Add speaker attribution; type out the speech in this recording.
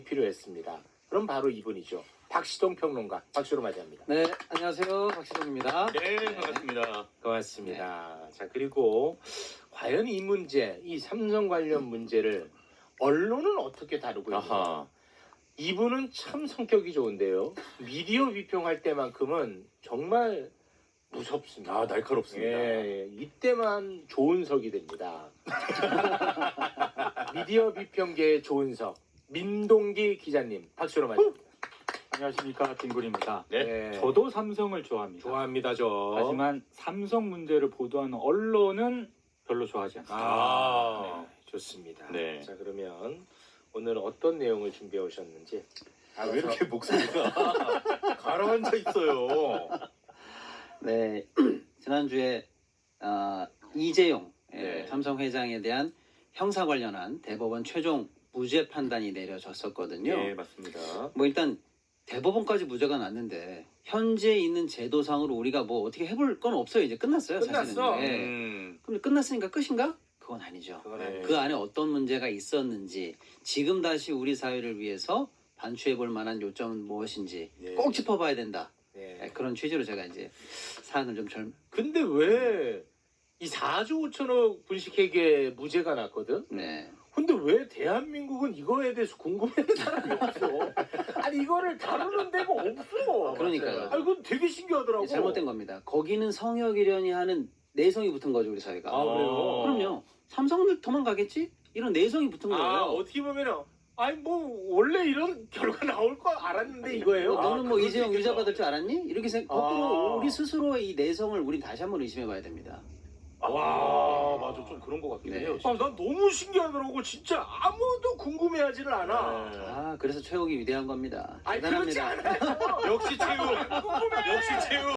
Speaker 1: 필요했습니다. 그럼 바로 이분이죠. 박시동 평론가. 박수로 맞이합니다.
Speaker 2: 네, 안녕하세요. 박시동입니다.
Speaker 3: 네, 반갑습니다.
Speaker 1: 고맙습니다. 자, 그리고 과연 이 문제, 이 삼성 관련 문제를 언론은 어떻게 다루고 있는가?
Speaker 3: 아하.
Speaker 1: 이분은 참 성격이 좋은데요. 미디어 비평할 때만큼은 정말 무섭습니다.
Speaker 3: 아, 날카롭습니다.
Speaker 1: 예, 이때만 조은석이 됩니다. 미디어 비평계의 조은석, 민동기 기자님, 박수로 맞이합니다.
Speaker 4: 안녕하십니까, 김구리입니다.
Speaker 3: 네.
Speaker 4: 저도 삼성을 좋아합니다.
Speaker 1: 좋아합니다, 저.
Speaker 4: 하지만 삼성 문제를 보도하는 언론은 별로 좋아하지 않습니다.
Speaker 1: 네, 좋습니다.
Speaker 3: 네.
Speaker 1: 자, 그러면 오늘 어떤 내용을 준비해 오셨는지.
Speaker 3: 아, 왜 이렇게 목소리가 가라앉아 있어요?
Speaker 2: 네, 지난주에 이재용
Speaker 3: 네.
Speaker 2: 삼성 회장에 대한 형사 관련한 대법원 최종 무죄 판단이 내려졌었거든요.
Speaker 3: 네, 맞습니다.
Speaker 2: 뭐 일단 대법원까지 무죄가 났는데 현재 있는 제도상으로 우리가 뭐 어떻게 해볼 건 없어요. 이제 끝났어요.
Speaker 1: 끝났어.
Speaker 2: 사실은. 예. 그럼 끝났으니까 끝인가? 그건 아니죠.
Speaker 1: 그건
Speaker 3: 네.
Speaker 1: 아니죠.
Speaker 2: 그 안에 어떤 문제가 있었는지 지금 다시 우리 사회를 위해서 반추해 볼 만한 요점은 무엇인지
Speaker 3: 예.
Speaker 2: 꼭 짚어봐야 된다.
Speaker 1: 네.
Speaker 2: 그런 취지로 제가 이제 사안을 좀
Speaker 1: 근데 왜 이 4조 5천억 분식회계 무죄가 났거든?
Speaker 2: 네.
Speaker 1: 근데 왜 대한민국은 이거에 대해서 궁금해하는 사람이 없어? 아니 이거를 다루는 데가 없어.
Speaker 2: 그러니까요.
Speaker 1: 아니 그건 되게 신기하더라고.
Speaker 2: 잘못된 겁니다. 거기는 성역이려니 하는 내성이 붙은 거죠, 우리 사회가.
Speaker 1: 아, 그래요?
Speaker 2: 그럼요. 삼성을 도망가겠지? 이런 내성이 붙은 거예요.
Speaker 1: 아 어떻게 보면은 아니 뭐 원래 이런 결과 나올 거 알았는데 이거예요.
Speaker 2: 너는 뭐
Speaker 1: 그럴
Speaker 2: 이재용
Speaker 1: 수 있겠다.
Speaker 2: 유죄 받을 줄 알았니? 이렇게 거꾸로
Speaker 1: 아.
Speaker 2: 우리 스스로의 이 내성을 우리 다시 한번 의심해봐야 됩니다.
Speaker 1: 와
Speaker 3: 맞아, 좀 그런 것 같긴
Speaker 2: 네.
Speaker 3: 해요.
Speaker 1: 아, 난 너무 신기하더라고. 진짜 아무도 궁금해하지를 않아.
Speaker 2: 아, 그래서 최욱이 위대한 겁니다.
Speaker 1: 아니 그렇지
Speaker 2: 대단합니다.
Speaker 1: 않아요.
Speaker 3: 역시 최우. 역시 최우.